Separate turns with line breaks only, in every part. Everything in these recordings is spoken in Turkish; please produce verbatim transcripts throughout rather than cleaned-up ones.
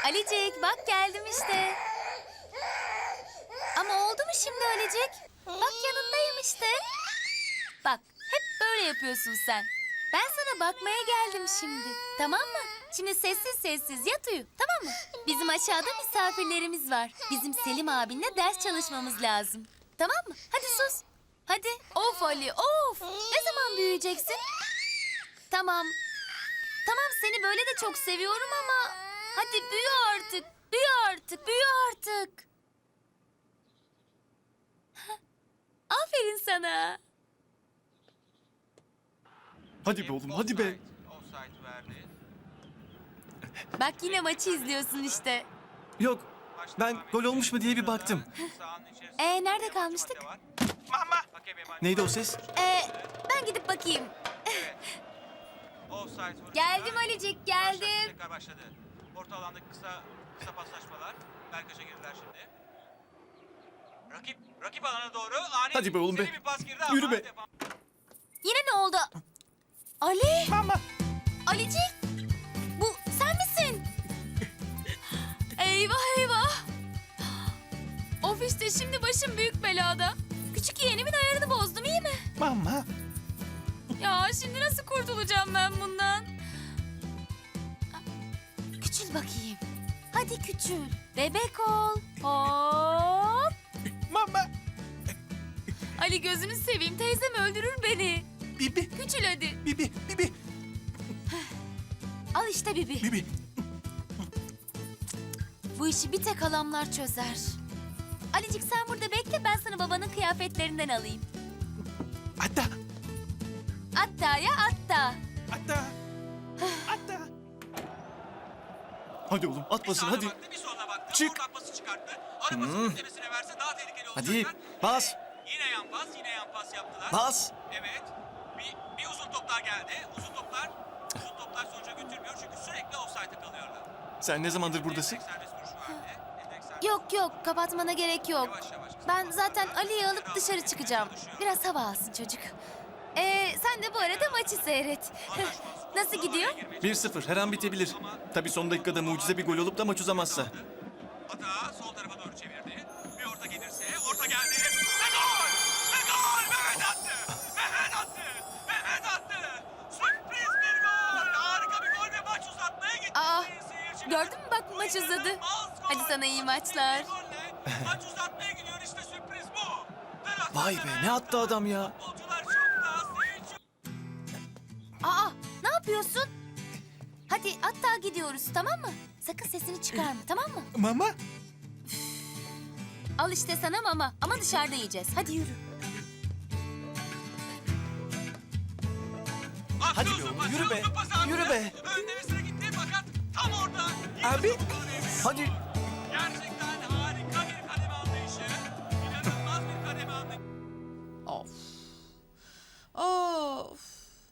Alicik bak geldim işte. Ama oldu mu şimdi Alicik? Bak yanındayım işte. Bak hep böyle yapıyorsun sen. Ben sana bakmaya geldim şimdi. Tamam mı? Şimdi sessiz sessiz yat uyu. Tamam mı? Bizim aşağıda misafirlerimiz var. Bizim Selim abinle ders çalışmamız lazım. Tamam mı? Hadi sus. Hadi. Of Ali of. Ne zaman büyüyeceksin? Tamam. Tamam seni böyle de çok seviyorum ama... Hadi büyü artık. Büyü artık. Büyü artık. Aferin sana.
Hadi be oğlum, hadi be.
Bak yine maçı izliyorsun işte.
Yok, ben gol olmuş mu diye bir baktım.
Ee nerede kalmıştık?
Neydi o ses?
Ee ben gidip bakayım. Geldim Alicik, geldim.
Tekrar başladı. Orta alandaki kısa kısa paslaşmalar. Berkaç'a girdiler şimdi. Rakip rakip alana doğru ani
Hadi be oğlum be.
seri bir pas girdi
Yürü
ama
be.
defa-
Yine ne oldu? Ali!
Mama.
Alicik! Bu sen misin? Eyvah eyvah! Of işte şimdi başım büyük belada. Küçük yeğenimin ayarını bozdum iyi mi?
Mama.
Ya şimdi nasıl kurtulacağım ben bundan? Küçül bakayım. Hadi küçül. Bebek ol. Hop.
Mama.
Ali gözünü seveyim teyzem öldürür beni.
Bibi,
Küçül hadi.
bibi, bibi,
Al işte Bibi.
bibi.
Bu işi bir tek halamlar çözer. Alicik sen burada bekle ben sana babanın kıyafetlerinden alayım.
Hatta,
Hatta ya hatta.
hatta, hatta. Hadi oğlum, at
Bir
basın
sağına
hadi.
baktı, bir soluna baktı.
Çık.
Oradan pası çıkarttı. Arabasının tepesine verse daha tehlikeli olacaklar.
Hadi, bas.
Yine yan pas, yine yan pas yaptılar.
Bas.
Evet. Bir, bir uzun toplar geldi. Uzun toplar, uzun toplar sonuca götürmüyor çünkü sürekli offside'e kalıyorlar.
Sen ne zamandır buradasın?
Direkt serbest vuruş verdi. Direkt serbest-
Yok yok kapatmana gerek yok.
Yavaş yavaş.
Ben zaten Ali'yi alıp dışarı çıkacağım. Biraz hava alsın çocuk. Ee, sen de bu arada maçı seyret. Nasıl gidiyor?
bir sıfır, her an bitebilir. Tabii son dakikada mucize bir gol olup da maç uzamazsa.
Hata sol tarafa doğru çevirdi. Bir orta gelirse, orta geldi. Ve gol! Ve gol! Mehmet attı! Mehmet attı! Mehmet attı! Sürpriz bir gol! Harika bir gol ve maç uzatmaya gitti.
Aa,
Seyirci-
gördün mü bak maç uzadı.
İnanılmaz gol!
Hadi sana iyi maçlar.
Golle Maç uzatmaya gidiyor işte sürpriz bu.
Vay be, ne attı adam ya?
Futbolcular şokta, seyirci...
Aa, ne yapıyorsun? Hadi hatta gidiyoruz tamam mı? Sakın sesini çıkarma tamam mı?
Mama.
Al işte sana mama ama dışarıda yiyeceğiz. Hadi yürü.
Hadi be
Atıyorsun,
oğlum, yürü be.
atıyorsun pası
Yürü
abi.
be.
Önde bir sıra gitti fakat tam orada.
Abi. Hadi.
Gerçekten harika bir kademe anlayışı. İnanılmaz bir kademe anlayışı.
Of. Of.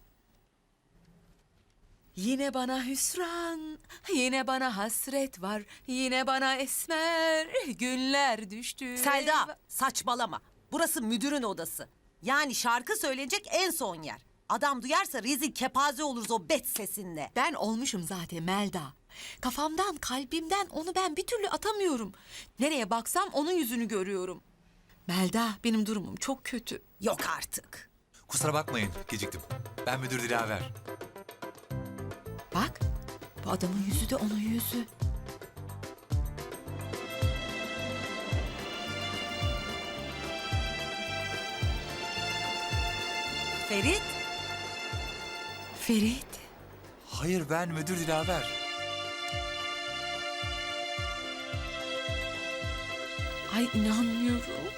Yine bana hüsran, yine bana hasret var, yine bana esmer günler düştü.
Selda saçmalama. Burası müdürün odası. Yani şarkı söylenecek en son yer. Adam duyarsa rezil kepaze oluruz o bet sesinle.
Ben olmuşum zaten Melda. Kafamdan, kalbimden onu ben bir türlü atamıyorum. Nereye baksam onun yüzünü görüyorum. Melda, benim durumum çok kötü.
Yok artık.
Kusura bakmayın, geciktim. Ben müdür Dilaver.
Bak, bu adamın yüzü de onun yüzü.
Ferit,
Ferit.
Hayır, ben müdür Dilaver.
Ay inanmıyorum.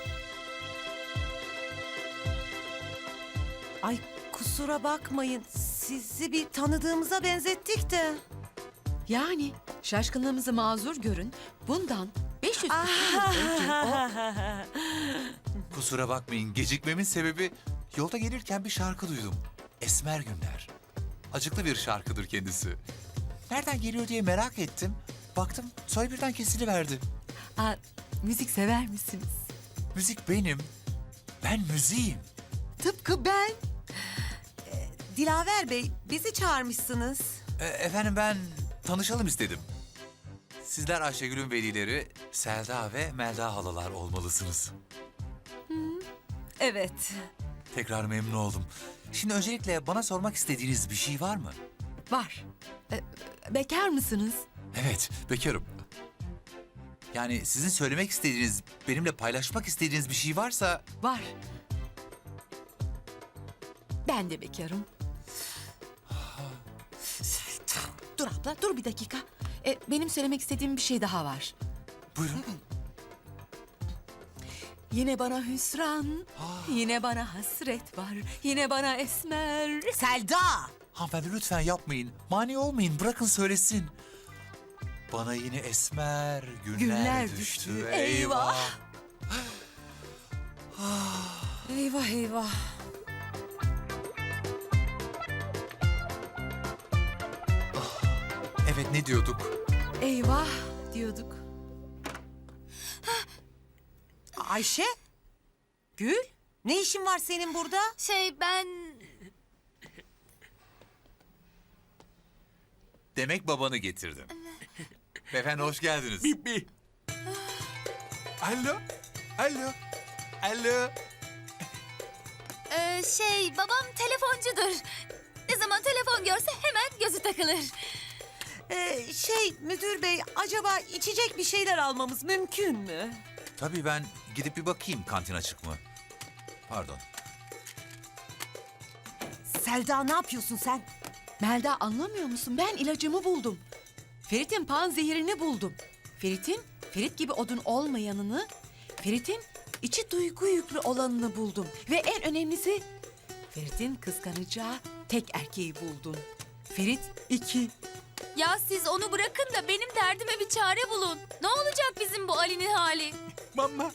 ay kusura bakmayın. Sizi bir tanıdığımıza benzettik de.
Yani şaşkınlığımızı mazur görün. Bundan beş yüz yıl önce o...
Kusura bakmayın, gecikmemin sebebi yolda gelirken bir şarkı duydum. Esmer Günler. Acıklı bir şarkıdır kendisi. Nereden geliyor diye merak ettim. Baktım, soy birden kesiliverdi.
Aa, müzik sever misiniz?
Müzik benim. Ben müziğim.
Tıpkı ben.
Dilaver Bey, bizi çağırmışsınız.
E, efendim ben tanışalım istedim. Sizler Ayşegül'ün velileri Selda ve Melda halalar olmalısınız.
Evet.
Tekrar memnun oldum. Şimdi öncelikle bana sormak istediğiniz bir şey var mı?
Var. E, bekar mısınız?
Evet, bekarım. Yani sizin söylemek istediğiniz, benimle paylaşmak istediğiniz bir şey varsa...
Var. Ben de bekarım. Dur abla, dur bir dakika. E, benim söylemek istediğim bir şey daha var.
Buyurun.
Yine bana hüsran, yine bana hasret var, yine bana esmer.
Selda!
Hanımefendi lütfen yapmayın. Mani olmayın, bırakın söylesin. Bana yine esmer günler,
Günler
düştü.
düştü,
Eyvah.
Eyvah eyvah.
Evet, ne diyorduk?
Eyvah diyorduk.
Ayşe? Gül? Ne işin var senin burada?
Şey ben...
Demek babanı getirdim. Beyefendi hoş geldiniz.
Bibi. Alo. Alo. Alo.
Ee, şey babam telefoncudur. Ne zaman telefon görse hemen gözü takılır.
Ee, şey müdür bey, acaba içecek bir şeyler almamız mümkün mü?
Tabii ben gidip bir bakayım kantin açık mı? Pardon.
Selda ne yapıyorsun sen?
Melda anlamıyor musun? Ben ilacımı buldum. Ferit'in pan zehirini buldum. Ferit'in Ferit gibi odun olmayanını, Ferit'in içi duygu yüklü olanını buldum. Ve en önemlisi Ferit'in kıskanacağı tek erkeği buldum. Ferit iki.
Ya siz onu bırakın da benim derdime bir çare bulun. Ne olacak bizim bu Ali'nin hali?
Mama.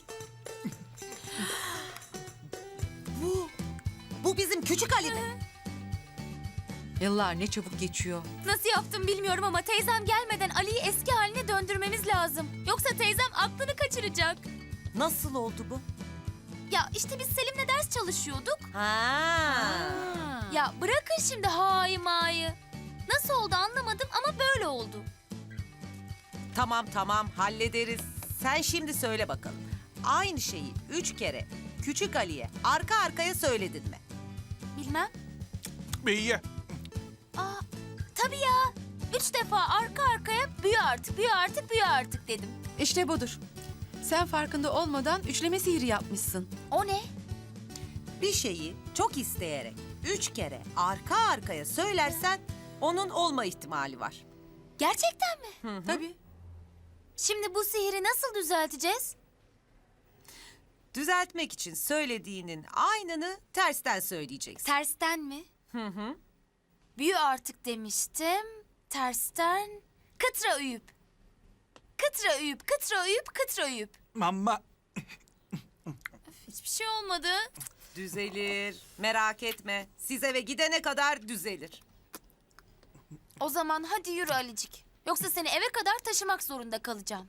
Bu, bu bizim küçük Ali mi?
Yıllar ne çabuk geçiyor.
Nasıl yaptım bilmiyorum ama teyzem gelmeden Ali'yi eski haline döndürmemiz lazım. Yoksa teyzem aklını kaçıracak.
Nasıl oldu bu?
Ya işte biz Selim'le ders çalışıyorduk.
Ha.
Ya bırakın şimdi hayı mayı. Nasıl oldu anlamadım ama böyle oldu.
Tamam tamam hallederiz. Sen şimdi söyle bakalım. Aynı şeyi üç kere küçük Ali'ye arka arkaya söyledin mi?
Bilmem.
Beyye.
Aa, tabii ya. Üç defa arka arkaya büyü artık, büyü artık, büyü artık dedim.
İşte budur. Sen farkında olmadan üçleme sihri yapmışsın.
O ne?
Bir şeyi çok isteyerek üç kere arka arkaya söylersen onun olma ihtimali var.
Gerçekten mi?
Tabii.
Şimdi bu sihiri nasıl düzelteceğiz?
Düzeltmek için söylediğinin aynını tersten söyleyeceksin.
Tersten mi?
Hı hı.
Büyü artık demiştim. Tersten kıtra uyup. Kıtra uyup, kıtra uyup, kıtra uyup.
Mama.
Hiçbir şey olmadı.
Düzelir. Merak etme. Siz eve gidene kadar düzelir.
O zaman hadi yürü Alicik. Yoksa seni eve kadar taşımak zorunda kalacağım.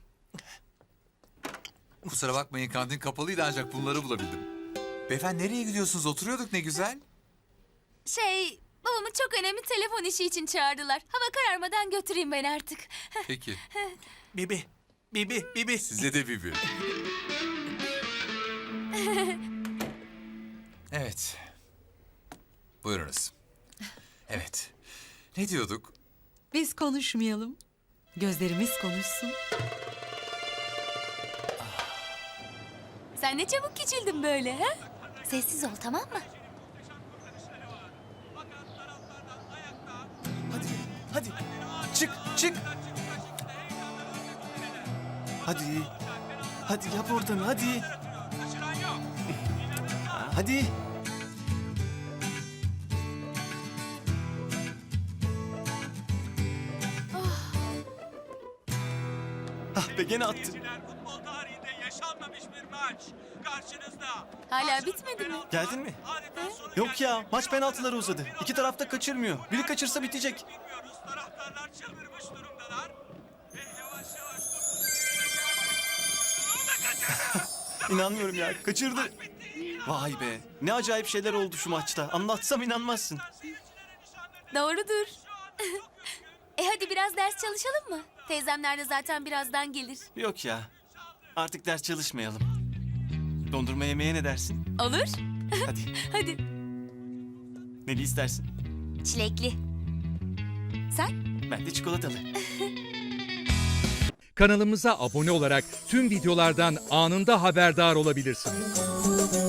Kusura bakmayın kantin kapalıydı ancak bunları bulabildim. Beyefendi nereye gidiyorsunuz? Oturuyorduk ne güzel.
Şey, babamı çok önemli telefon işi için çağırdılar. Hava kararmadan götüreyim ben artık.
Peki.
Bibi. Bibi. Bibi.
Size de Bibi. Evet. Buyurunuz. Evet. Ne diyorduk?
Biz konuşmayalım. Gözlerimiz konuşsun.
Sen ne çabuk küçüldün böyle ha? Sessiz ol tamam mı?
Hadi. Hadi. Çık. Çık. Hadi. Hadi yap oradan hadi.
Kaçıran yok.
Hadi. Ah be gene attı.
Seyirciler, futbol tarihinde yaşanmamış bir maç. Karşınızda.
Hala bitmedi mi?
Geldin mi?
Adeta sonu
Yok ya
gelmeyen
maç penaltılara uzadı. İki tarafta kaçırmıyor. Biri kaçırsa bitecek.
bilmiyoruz. Taraftarlar çıldırmış durumdalar. Ve yavaş yavaş
İnanmıyorum ya. Kaçırdı. Vay be. Ne acayip şeyler oldu şu maçta. Anlatsam inanmazsın.
Doğrudur. e hadi biraz ders çalışalım mı? Teyzemler de zaten birazdan gelir.
Yok ya. Artık ders çalışmayalım. Dondurma yemeye ne dersin?
Olur.
Hadi.
Hadi.
Neli istersin?
Çilekli. Sen?
Ben de çikolatalı.
Kanalımıza abone olarak tüm videolardan anında haberdar olabilirsiniz.